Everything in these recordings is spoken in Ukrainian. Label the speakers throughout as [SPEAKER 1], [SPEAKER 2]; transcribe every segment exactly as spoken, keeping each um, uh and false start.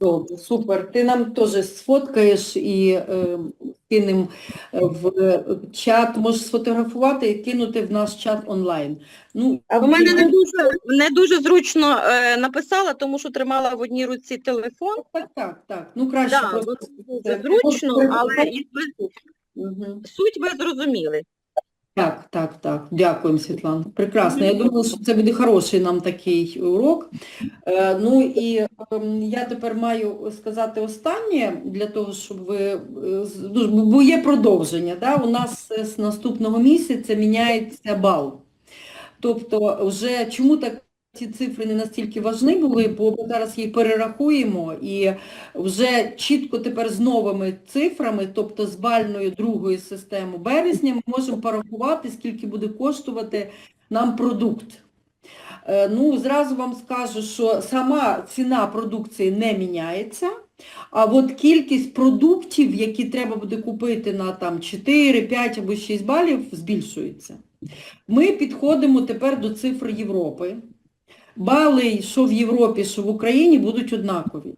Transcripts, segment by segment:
[SPEAKER 1] Добре, супер. Ти нам теж сфоткаєш і е, кинемо в чат, можеш сфотографувати і кинути в наш чат онлайн. Ну,
[SPEAKER 2] А
[SPEAKER 3] У мене не
[SPEAKER 1] і-
[SPEAKER 3] дуже, не дуже зручно е, написала, тому що тримала в одній руці телефон.
[SPEAKER 1] так, так, так. Ну, краще
[SPEAKER 3] Да,
[SPEAKER 1] просто.
[SPEAKER 3] дуже
[SPEAKER 1] це-
[SPEAKER 3] зручно, але якби
[SPEAKER 1] Мгм.
[SPEAKER 3] суть ви зрозуміли.
[SPEAKER 1] Так, так, так. Дякуємо, Світлана. Прекрасно. Я думаю, що це буде хороший нам такий урок. Е, Ну і ем, я тепер маю сказати останнє для того, щоб ви, е, з- ну, бо є продовження. Да? У нас е, з наступного місяця міняється бал. Тобто вже чому так ці цифри не настільки важливі були, бо ми зараз їх перерахуємо і вже чітко тепер з новими цифрами, тобто з бальною другої системи березня, ми можемо порахувати, скільки буде коштувати нам продукт. Е, Ну, зразу вам скажу, що сама ціна продукції не міняється, а от кількість продуктів, які треба буде купити на там чотири, п'ять або шість балів, збільшується. Ми підходимо тепер до цифр Європи. Бали, що в Європі, що в Україні, будуть однакові.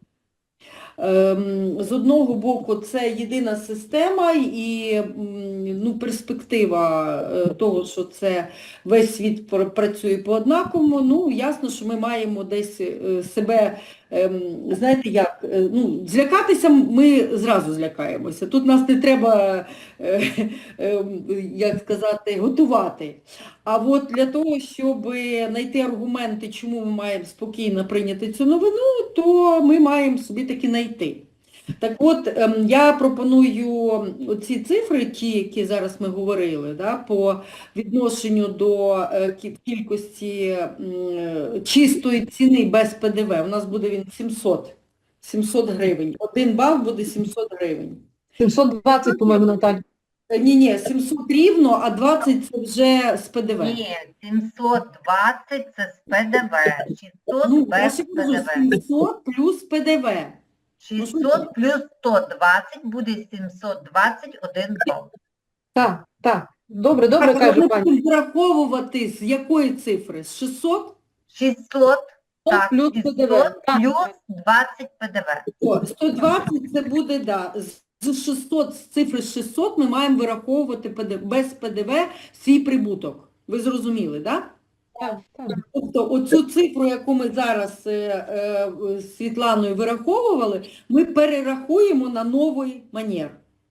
[SPEAKER 1] Ем, З одного боку, це єдина система і м, ну, перспектива е, того, що це весь світ пр- працює по-однаковому. Ну, ясно, що ми маємо десь е, себе, ем, знаєте, як, е, ну, злякатися ми зразу злякаємося. Тут нас не треба, е, е, як сказати, готувати. А от для того, щоб знайти аргументи, чому ми маємо спокійно прийняти цю новину, то ми маємо собі таки знайти. Так от, ем, я пропоную ці цифри, ті, які зараз ми говорили, да, по відношенню до е, кі- кількості м, чистої ціни без П Д В. У нас буде він сімсот, сімсот гривень. Один бал буде сімсот гривень.
[SPEAKER 2] сімсот двадцять, по-моєму, Наталь.
[SPEAKER 1] Е, Ні, ні, сімсот рівно, а двадцять це вже з П Д В.
[SPEAKER 4] Ні, сімсот двадцять це з П Д В, шістсот
[SPEAKER 1] Ну, я
[SPEAKER 4] без
[SPEAKER 1] ще
[SPEAKER 4] П
[SPEAKER 1] кажу,
[SPEAKER 4] Д В.
[SPEAKER 1] сімсот плюс П Д В.
[SPEAKER 4] шістсот плюс сто двадцять буде сімсот двадцять один бал.
[SPEAKER 2] Так, так. Добре, добре,
[SPEAKER 1] Так,
[SPEAKER 2] каже
[SPEAKER 1] ми
[SPEAKER 2] пані.
[SPEAKER 1] будемо враховувати з якої цифри? З шістсот?
[SPEAKER 4] шістсот, так,
[SPEAKER 2] плюс П Д В.
[SPEAKER 4] шістсот
[SPEAKER 2] Так.
[SPEAKER 4] плюс двадцять П Д В.
[SPEAKER 1] О, сто двадцять це буде, да. З шістсот, з цифри шістсот ми маємо вираховувати П Д В, без П Д В свій прибуток. Ви зрозуміли, так? Да?
[SPEAKER 2] Так, так.
[SPEAKER 1] Тобто оцю цифру, яку ми зараз е, е, з Світланою вираховували, ми перерахуємо на новий манер.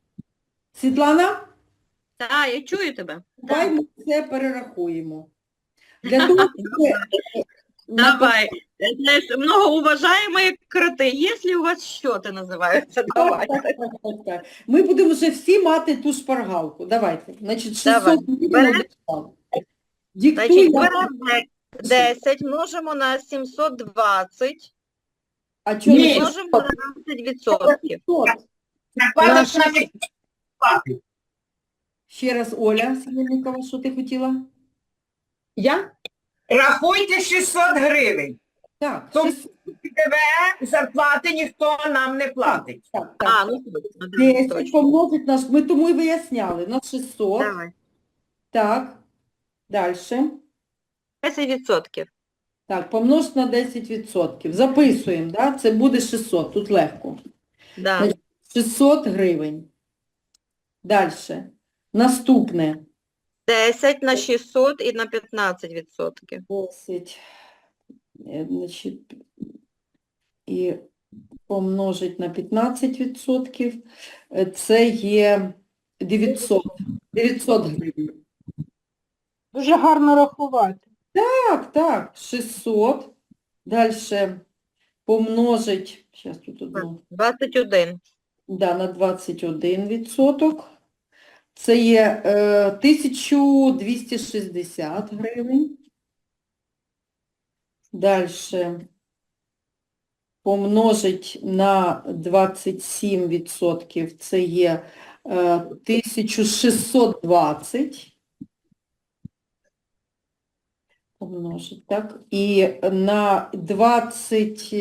[SPEAKER 1] Світлана?
[SPEAKER 3] Так, я чую тебе.
[SPEAKER 1] Давай ми це перерахуємо. Для того, щоб...
[SPEAKER 3] Давай. Знаєш, многоуважаємі кроти, якщо у вас що-то називається, давайте.
[SPEAKER 1] Так, так, так, так. Ми будемо вже всі мати ту шпаргалку. Давайте. Значить,
[SPEAKER 3] Давай.
[SPEAKER 1] шістсот гривень
[SPEAKER 3] Бере-
[SPEAKER 1] написали. Диктуй
[SPEAKER 3] Значить,
[SPEAKER 1] нам.
[SPEAKER 3] беремо десять, множимо на сімсот двадцять,
[SPEAKER 1] А чого
[SPEAKER 2] Ні.
[SPEAKER 1] не
[SPEAKER 3] множимо на двадцять відсотків.
[SPEAKER 1] шістсот? Ще раз, Оля Синельникова, що ти хотіла?
[SPEAKER 2] Я?
[SPEAKER 5] Рахуйте шістсот гривень.
[SPEAKER 1] Так,
[SPEAKER 5] Тобто
[SPEAKER 1] шістсот,
[SPEAKER 5] П Д В зарплати ніхто нам не платить.
[SPEAKER 1] так, так.
[SPEAKER 3] А, ну точно, да,
[SPEAKER 1] десять
[SPEAKER 3] точно.
[SPEAKER 1] помножить на... Ми тому і виясняли. На шістсот.
[SPEAKER 3] Давай.
[SPEAKER 1] Так. Далі.
[SPEAKER 3] десять відсотків.
[SPEAKER 1] Так, помножити на десять відсотків. Записуємо, да? Це буде шістсот, тут легко.
[SPEAKER 3] Да.
[SPEAKER 1] Значить, шістсот гривень. Далі. Наступне.
[SPEAKER 3] десять на шістсот і на п'ятнадцять відсотків.
[SPEAKER 1] десять. е, Значить, і помножить на п'ятнадцять відсотків. Е, Це є дев'ятсот. дев'ятсот гривень.
[SPEAKER 2] Дуже гарно рахувати.
[SPEAKER 1] Так, так, шістсот. Далі помножить, зараз тут одну.
[SPEAKER 3] двадцять один.
[SPEAKER 1] Да, на двадцять один відсоток. Це є е, тисяча двісті шістдесят гривень. Далі помножить на двадцять сім відсотків. Це є е, тисяча шістсот двадцять. Помножить, так. І на двадцять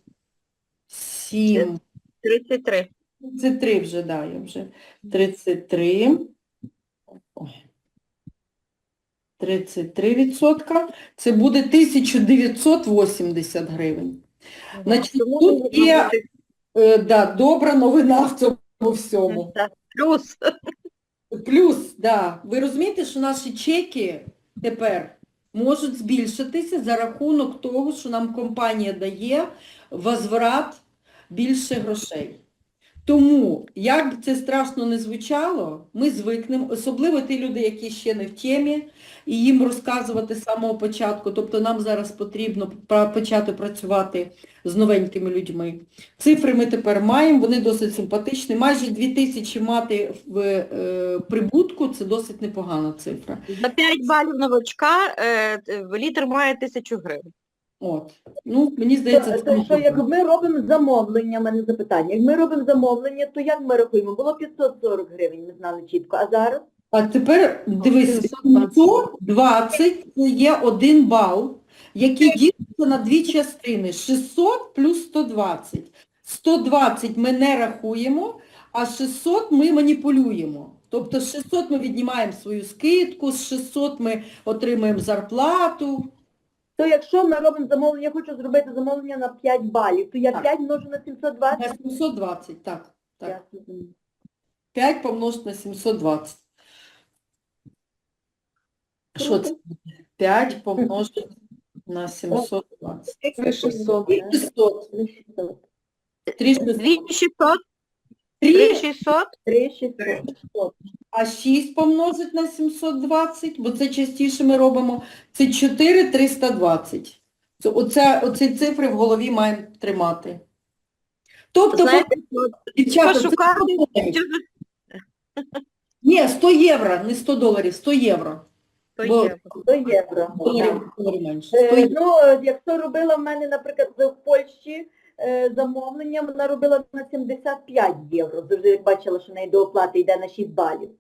[SPEAKER 1] сім.
[SPEAKER 3] тридцять три.
[SPEAKER 1] тридцять три вже, да, я вже. тридцять три. Ой. тридцять три відсотка. Це буде тисяча дев'ятсот вісімдесят гривень. Значить, тут є Е, да, добра новина в цьому всьому.
[SPEAKER 3] Так, плюс.
[SPEAKER 1] Плюс, да, ви розумієте, що наші чеки тепер можуть збільшитися за рахунок того, що нам компанія дає возврат більше грошей. Тому, як би це страшно не звучало, ми звикнемо, особливо ті люди, які ще не в темі, і їм розказувати з самого початку. Тобто нам зараз потрібно пра- почати працювати з новенькими людьми. Цифри ми тепер маємо, вони досить симпатичні. Майже дві тисячі мати в е, прибутку – це досить непогана цифра.
[SPEAKER 3] За п'ять балів новачка е, т- літр має тисячу гривень.
[SPEAKER 1] От. Ну, мені здається,
[SPEAKER 6] Це,
[SPEAKER 1] це
[SPEAKER 6] що як ми робимо замовлення, в мене запитання. Як ми робимо замовлення, то як ми рахуємо? Було п'ятсот сорок гривень, ми знали чітко, а зараз?
[SPEAKER 1] А тепер дивись,
[SPEAKER 2] сімсот двадцять.
[SPEAKER 1] сто двадцять це є один бал, який ділиться на дві частини. шістсот плюс сто двадцять. сто двадцять ми не рахуємо, а шістсот ми маніпулюємо. Тобто з шістсот ми віднімаємо свою скидку, з шістсот ми отримуємо зарплату.
[SPEAKER 6] То якщо ми робимо замовлення, я хочу зробити замовлення на п'ять балів, то я
[SPEAKER 1] Так.
[SPEAKER 6] п'ять множу на сімсот
[SPEAKER 1] На
[SPEAKER 6] двадцять?
[SPEAKER 1] сімсот двадцять, так. так.
[SPEAKER 6] Я розумію.
[SPEAKER 1] п'ять помножити на сімсот двадцять. Що це? п'ять помножити на сімсот двадцять.
[SPEAKER 2] Це шістсот.
[SPEAKER 1] І шістсот.
[SPEAKER 6] Три шістсот.
[SPEAKER 1] Три шістсот.
[SPEAKER 3] Дві шістсот,
[SPEAKER 1] Три
[SPEAKER 3] три шістсот.
[SPEAKER 6] Три шістсот.
[SPEAKER 1] А шість помножить на сімсот двадцять, бо це частіше ми робимо, це чотири триста двадцять. Це, оце, оці цифри в голові маємо тримати. Тобто,
[SPEAKER 3] Знаєте, от
[SPEAKER 1] дівчата, це
[SPEAKER 3] пошукати,
[SPEAKER 1] сто доларів.
[SPEAKER 3] що за-
[SPEAKER 1] Ні, сто євро, не сто доларів, сто євро.
[SPEAKER 3] то
[SPEAKER 1] Бо-
[SPEAKER 3] є.
[SPEAKER 6] До євро.
[SPEAKER 1] Доларів, доларів менше. сто
[SPEAKER 6] Е,
[SPEAKER 1] євро.
[SPEAKER 6] Ну, е, якщо робила в мене, наприклад, в Польщі е, замовлення, вона робила на сімдесят п'ять євро. Завжди як бачила, що в неї до оплати йде на шість балів.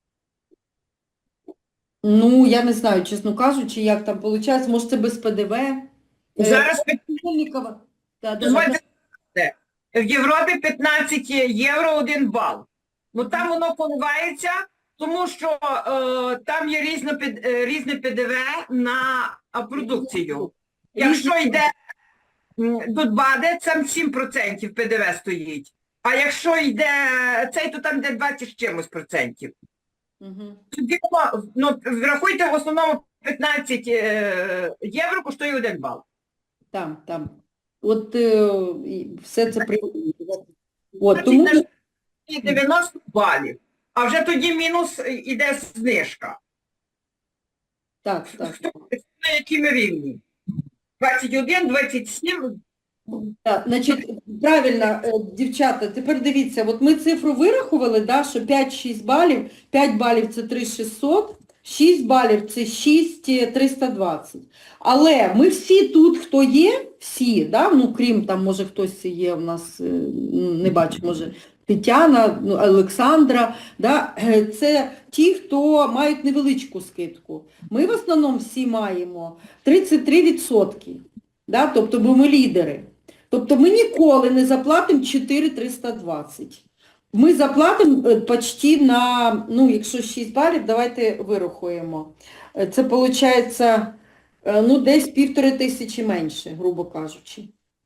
[SPEAKER 1] Ну, я не знаю, чесно кажучи, як там виходить, може це без ПДВ. Е,
[SPEAKER 5] Зараз
[SPEAKER 1] Сольникова. Да, да,
[SPEAKER 5] дозвольте, в Європі п'ятнадцять євро один бал. Ну там воно коливається, тому що е, там є різне, під- е, різне ПДВ на а, продукцію. Якщо йде м, тут баде, там сім відсотків ПДВ стоїть. А якщо йде цей, то там йде двадцять з чимось процентів.
[SPEAKER 1] Мгм.
[SPEAKER 5] Тоді, ну, врахуйте, в основному п'ятнадцять е, євро коштує один бал.
[SPEAKER 1] Там, там. От е, і все це при... От,
[SPEAKER 5] Значить,
[SPEAKER 1] тому...
[SPEAKER 5] на і дев'яносто балів. А вже тоді мінус іде знижка.
[SPEAKER 1] Так, так.
[SPEAKER 5] Хто на якому рівні? двадцять один, двадцять сім.
[SPEAKER 1] Так, значить, правильно, е, дівчата, тепер дивіться, от ми цифру вирахували, да, що п'ять-шість балів, п'ять балів це три тисячі шістсот, шість балів це шість тисяч триста двадцять. Але ми всі тут, хто є, всі, да, ну, крім там, може, хтось є у нас, е, не бачу, може, Тетяна, ну, Олександра, да, е, це ті, хто мають невеличку скидку. Ми в основному всі маємо тридцять три відсотки, да, тобто, бо ми лідери. Тобто ми ніколи не заплатимо чотири тисячі триста двадцять. Ми заплатимо е, почти на, ну, якщо шість балів, давайте вирахуємо. Е, Це виходить, е, ну, десь півтори тисячі менше, грубо кажучи.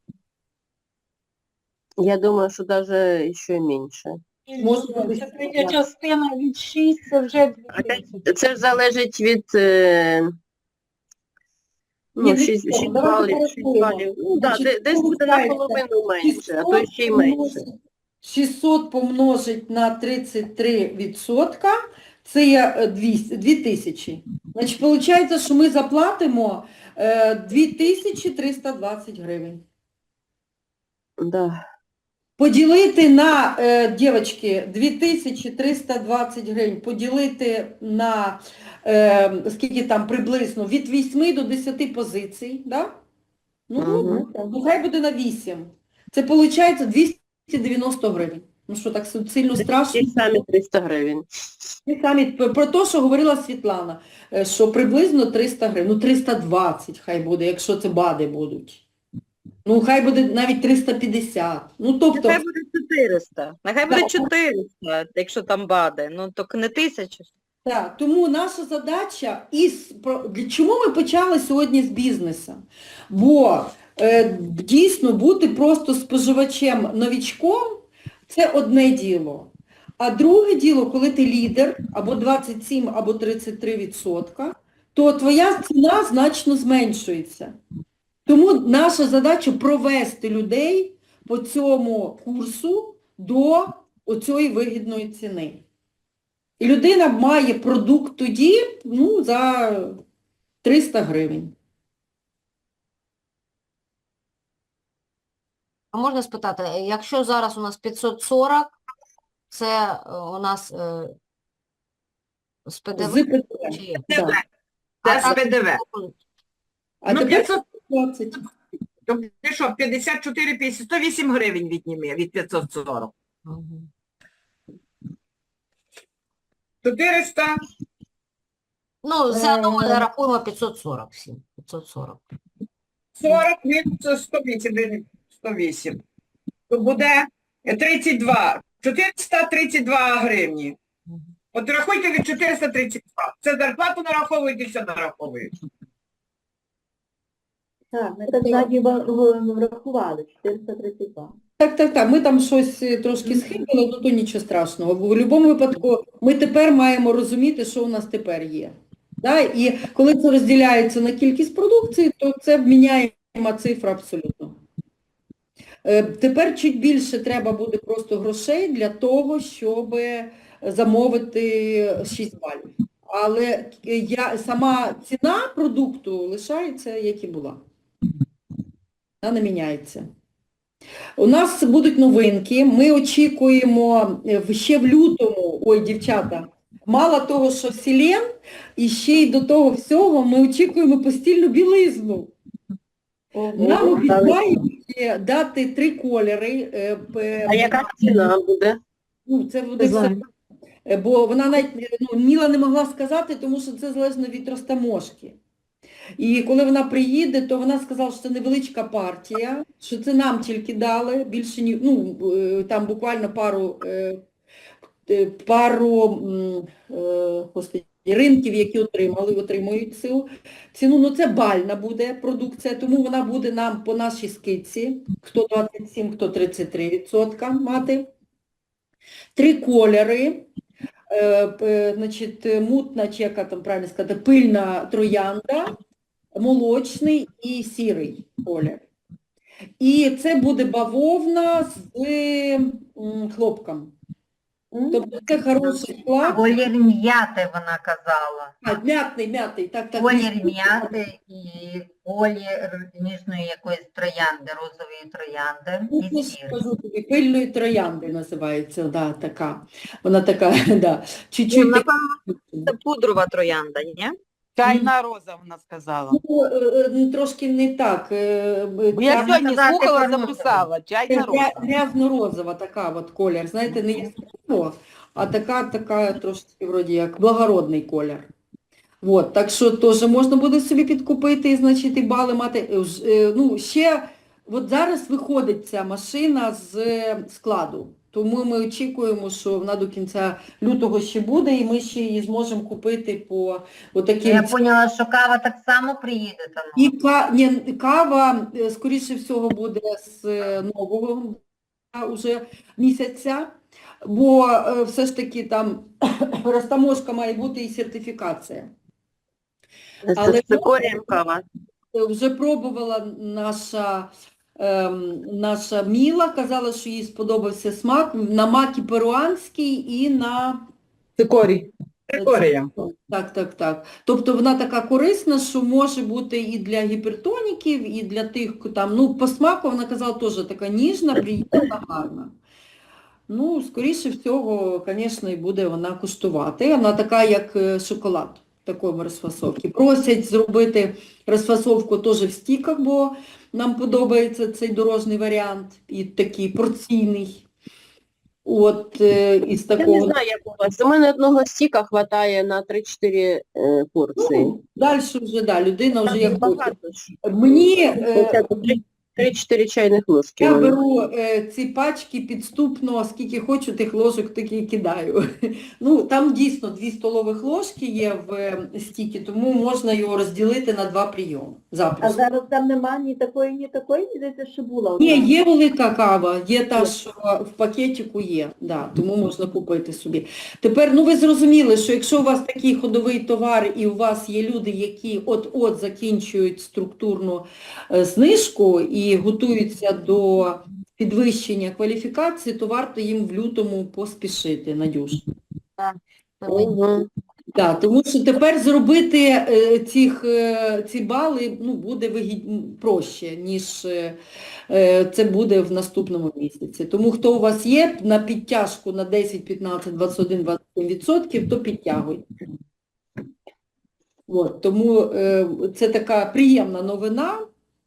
[SPEAKER 7] Я думаю, что даже еще меньше.
[SPEAKER 1] Може
[SPEAKER 2] Це
[SPEAKER 1] бути.
[SPEAKER 2] третя частина від шість, це вже дві
[SPEAKER 7] А це-
[SPEAKER 2] тисячі.
[SPEAKER 7] Це ж залежить від е,
[SPEAKER 1] Ні,
[SPEAKER 7] ну,
[SPEAKER 1] від
[SPEAKER 7] шість
[SPEAKER 1] цього,
[SPEAKER 7] шість
[SPEAKER 1] давайте
[SPEAKER 7] балів, шість
[SPEAKER 1] порахуємо.
[SPEAKER 7] балів. Ну, да,
[SPEAKER 1] Значить,
[SPEAKER 7] де- десь буде
[SPEAKER 1] виходить,
[SPEAKER 7] наполовину менше, а то ще й менше.
[SPEAKER 1] шістсот помножить на тридцять три відсотка, це є е, двісті, дві тисячі. Значить, виходить, що ми заплатимо е, дві тисячі триста двадцять гривень.
[SPEAKER 7] Да.
[SPEAKER 1] Поділити на, е, дівчатки, дві тисячі триста двадцять гривень, поділити на, е, скільки там приблизно, від вісьми до десяти позицій, да? Ну,
[SPEAKER 7] Мгм.
[SPEAKER 1] ну, хай буде на вісім. Це виходить двісті дев'яносто гривень. Ну що, так сильно страшно?
[SPEAKER 7] Ті самі триста гривень.
[SPEAKER 1] Ті самі, про те, що говорила Світлана, е, що приблизно триста гривень, ну триста двадцять хай буде, якщо це бади будуть. Ну, хай буде навіть триста п'ятдесят. Ну, тобто...
[SPEAKER 3] Нехай буде чотириста. Нехай буде
[SPEAKER 1] Да.
[SPEAKER 3] чотириста, якщо там бади. Ну, так не тисяча.
[SPEAKER 1] Так, тому наша задача, із, про- для чому ми почали сьогодні з бізнесу? Бо Е, Дійсно, бути просто споживачем-новічком – це одне діло. А друге діло, коли ти лідер, або двадцять сім, або тридцять три відсотка, то твоя ціна значно зменшується. Тому наша задача – провести людей по цьому курсу до оцієї вигідної ціни. І людина має продукт тоді, ну, за триста гривень.
[SPEAKER 8] А можна спитати, якщо зараз у нас п'ятсот сорок, це е, у нас е, з
[SPEAKER 1] З
[SPEAKER 8] ПДВ
[SPEAKER 1] ПДВ.
[SPEAKER 8] чи?
[SPEAKER 1] Да.
[SPEAKER 5] Це
[SPEAKER 8] А
[SPEAKER 5] з ПДВ.
[SPEAKER 1] А
[SPEAKER 5] Ну,
[SPEAKER 1] тепер
[SPEAKER 5] п'ятсот,
[SPEAKER 1] двадцять.
[SPEAKER 5] то ти що, п'ятдесят чотири п'ятдесят, сто вісім гривень відніми від п'ятсот сорок.
[SPEAKER 8] Мгм.
[SPEAKER 5] чотириста,
[SPEAKER 8] Ну, все одно ми
[SPEAKER 1] Е.
[SPEAKER 8] рахуємо п'ятсот сорок всім. п'ятсот сорок.
[SPEAKER 5] сорок від сто вісім гривень, сто вісім. То буде тридцять два, чотириста тридцять два гривні.
[SPEAKER 8] Мгм.
[SPEAKER 5] От рахуйте від чотириста тридцять два. Це зарплату нараховують і все нараховують.
[SPEAKER 6] Так, ми так ззаді ва- врахували, чотириста тридцять два.
[SPEAKER 1] Так, так, так. Ми там щось е, трошки схибили, ну то нічого страшного. В будь-якому випадку ми тепер маємо розуміти, що у нас тепер є. Да? І коли це розділяється на кількість продукції, то це міняєма цифра абсолютно. Е, Тепер чуть більше треба буде просто грошей для того, щоб замовити шість балів. Але я, сама ціна продукту лишається, як і була. Вона не міняється. У нас будуть новинки. Ми очікуємо е, ще в лютому, ой, дівчата, мало того, що селен, і ще й до того всього ми очікуємо постільну білизну. Нам обіцяють е, дати три кольори. е, п-
[SPEAKER 7] А яка ціна буде?
[SPEAKER 1] Ну, це буде все. Е, Бо вона навіть, ну, Міла не могла сказати, тому що це залежно від розтаможки. І коли вона приїде, то вона сказала, що це невеличка партія, що це нам тільки дали, більше ні, ну, е, там буквально пару, е, е, пару м, е, господи, ринків, які отримали, отримують цю ціну. Ну це бальна буде продукція, тому вона буде нам по нашій скидці, хто двадцять сім, хто тридцять три відсотка мати. Три кольори. Е, п- значить, мутна, чи яка там правильно сказати, пильна троянда, молочний і сірий колір. І це буде бавовна з м, хлопком. Тобто це хороший склад.
[SPEAKER 4] Колір м'яти, вона казала.
[SPEAKER 1] А, м'ятний, м'ятний, так, так.
[SPEAKER 4] Колір м'яти і колір ніжної якоїсь троянди, розової троянди
[SPEAKER 1] Ну,
[SPEAKER 4] і
[SPEAKER 1] я ж
[SPEAKER 4] сірий.
[SPEAKER 1] кажу тобі, пильної троянди називається, да, така. Вона така, да,
[SPEAKER 3] Ну,
[SPEAKER 1] чуть-чуть.
[SPEAKER 3] напевно, це пудрова троянда, ні?
[SPEAKER 9] Чайна роза, вона сказала.
[SPEAKER 1] Ну, е, е, трошки не так. е,
[SPEAKER 9] Бо я
[SPEAKER 1] ця-
[SPEAKER 9] сьогодні
[SPEAKER 4] казати
[SPEAKER 9] слухала,
[SPEAKER 4] про
[SPEAKER 9] записала. Чайна
[SPEAKER 1] Гря-
[SPEAKER 9] роза.
[SPEAKER 1] Грязно-розова така от колір, знаєте, не яскраво, а така, така трошки вроді як благородний колір. От, так що теж можна буде собі підкупити і, значить, і бали мати. Е, ж- е, Ну, ще, от зараз виходить ця машина з е, складу, тому ми очікуємо, що вона до кінця лютого ще буде, і ми ще її зможемо купити по отаким.
[SPEAKER 4] Я поняла, що кава так само приїде там.
[SPEAKER 1] І ка... Ні, кава, е, скоріше всього, буде з е, нового а, уже місяця, бо е, все ж таки там розтаможка має бути і сертифікація. Але
[SPEAKER 7] Це цикорієм кава.
[SPEAKER 1] Е, Вже пробувала наша, ем, наша Міла, казала, що їй сподобався смак на макі перуанський і на...
[SPEAKER 9] Цикорій.
[SPEAKER 5] Трикорія.
[SPEAKER 1] Так, так, так. Тобто вона така корисна, що може бути і для гіпертоніків, і для тих, там, ну, по смаку, вона казала, теж така ніжна, приємна, гарна. Ну, скоріше всього, звісно, і буде вона куштувати. Вона така, як е, шоколад, в такому розфасовці. Просять зробити розфасовку теж в стіках, бо нам подобається цей дорожній варіант, і такий порційний. От, е, із
[SPEAKER 7] Я не
[SPEAKER 1] такого.
[SPEAKER 7] знаю, як у вас. У мене одного стіка хватає на три-чотири е, порції.
[SPEAKER 1] Ну, далі вже, да, людина вже як хоче.
[SPEAKER 7] Багато ж.
[SPEAKER 1] Мені, е,
[SPEAKER 7] Оце тут три-чотири чайних ложки.
[SPEAKER 1] Я
[SPEAKER 7] мабуть.
[SPEAKER 1] беру е, ці пачки підступно, скільки хочу, тих ложок таки і кидаю. Ну, там дійсно дві столових ложки є в е, стікі, тому можна його розділити на два прийоми.
[SPEAKER 6] А
[SPEAKER 1] Запросто.
[SPEAKER 6] зараз там нема ні такої, ні такої, ні здається, що була одна.
[SPEAKER 1] Ні, є велика кава, є та, що в пакетику є, да, тому можна купити собі. Тепер, ну ви зрозуміли, що якщо у вас такий ходовий товар і у вас є люди, які от-от закінчують структурну е, знижку і готуються до підвищення кваліфікації, то варто їм в лютому поспішити, Надюш.
[SPEAKER 7] Мгм.
[SPEAKER 1] Так, тому що тепер зробити е, цих, е, ці бали ну, буде вигід... проще, ніж е, е, це буде в наступному місяці. Тому хто у вас є на підтяжку на десять, п'ятнадцять, двадцять один, двадцять сім відсотків, то підтягуйте. От, тому е, це така приємна новина.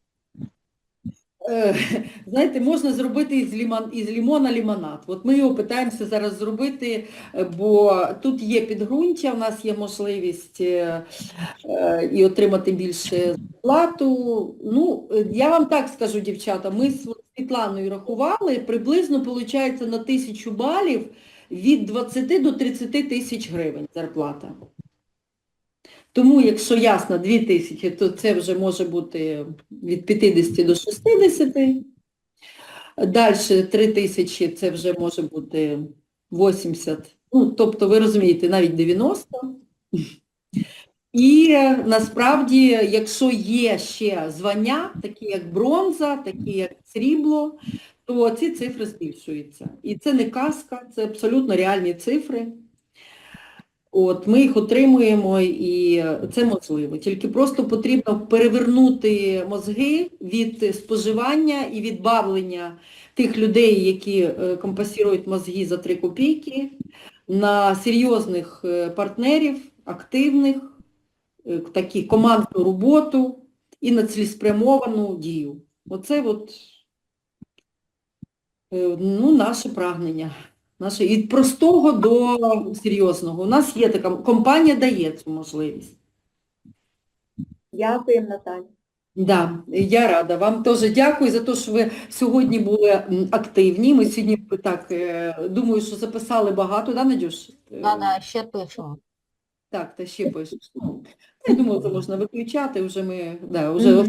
[SPEAKER 1] Е, знаєте, можна зробити із, лімон, із лімона лимонад. От ми його питаємося зараз зробити, е, бо тут є підґрунтя, у нас є можливість е, е, і отримати більше зарплату. Ну, е, я вам так скажу, дівчата, ми з Світланою рахували, приблизно виходить на тисячу балів від двадцяти до тридцяти тисяч гривень зарплата. Тому, якщо ясно, дві тисячі, то це вже може бути від п'ятдесят до шістдесят. Далі три тисячі це вже може бути вісімдесят. Ну, тобто, ви розумієте, навіть дев'яносто. І насправді, якщо є ще звання, такі як бронза, такі як срібло, то ці цифри збільшуються. І це не казка, це абсолютно реальні цифри. От, ми їх отримуємо, і це можливо. Тільки просто потрібно перевернути мозги від споживання і від бавлення тих людей, які е, компенсують мозги за три копійки, на серйозних е, партнерів, активних, е, такі командну роботу і на цілеспрямовану дію. Оце от, е, ну, наше прагнення. Наше, від простого до серйозного. У нас є така, компанія дає цю можливість.
[SPEAKER 6] Дякуємо, Наталя.
[SPEAKER 1] Да, я рада. Вам теж дякую за те, що ви сьогодні були м, активні. Ми сьогодні, так, е, думаю, що записали багато, да, Надюш? Е,
[SPEAKER 8] Да-да, ще пишемо.
[SPEAKER 1] Так, та ще пишеш. Ну, я думаю, це можна виключати, вже ми, да, вже